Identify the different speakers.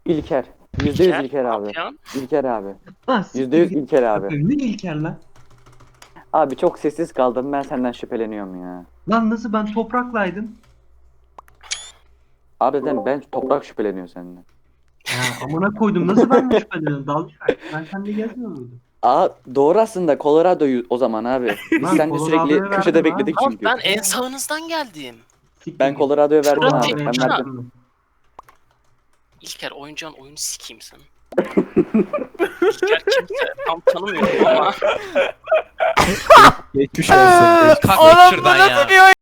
Speaker 1: İlker. %100 İlker
Speaker 2: ne
Speaker 1: abi.
Speaker 2: yapıyorsun?
Speaker 1: İlker abi.
Speaker 3: Lan
Speaker 1: %100 İlker abi.
Speaker 3: Ne İlker lan?
Speaker 1: Abi çok sessiz kaldım. Ben senden şüpheleniyorum ya.
Speaker 3: Lan nasıl ben topraklaydım?
Speaker 1: Abi ben toprak şüpheleniyor senden.
Speaker 3: Ya amına koydum nasıl ben de şüpheleniyorum? Dalga ben seninle gezmiyor muydum?
Speaker 1: Aa doğru aslında Colorado'yu o zaman abi. Biz
Speaker 3: Lan
Speaker 1: seninle sürekli
Speaker 3: Colorado'ya
Speaker 1: köşede
Speaker 3: verdim
Speaker 1: bekledik
Speaker 3: abi.
Speaker 2: Abi
Speaker 1: çünkü.
Speaker 2: ben en sağınızdan geldim.
Speaker 3: Siktir
Speaker 1: Ben
Speaker 3: git.
Speaker 1: Colorado'ya verdim
Speaker 2: Şurada
Speaker 1: abi.
Speaker 2: tek
Speaker 1: Ben
Speaker 2: başına.
Speaker 1: verdim.
Speaker 2: İlker oyuncağın oyunu sikeyim sen. İlker kimse tam tanımıyorum ama.
Speaker 4: Geçmiş olsun.
Speaker 5: Kalk şuradan ya.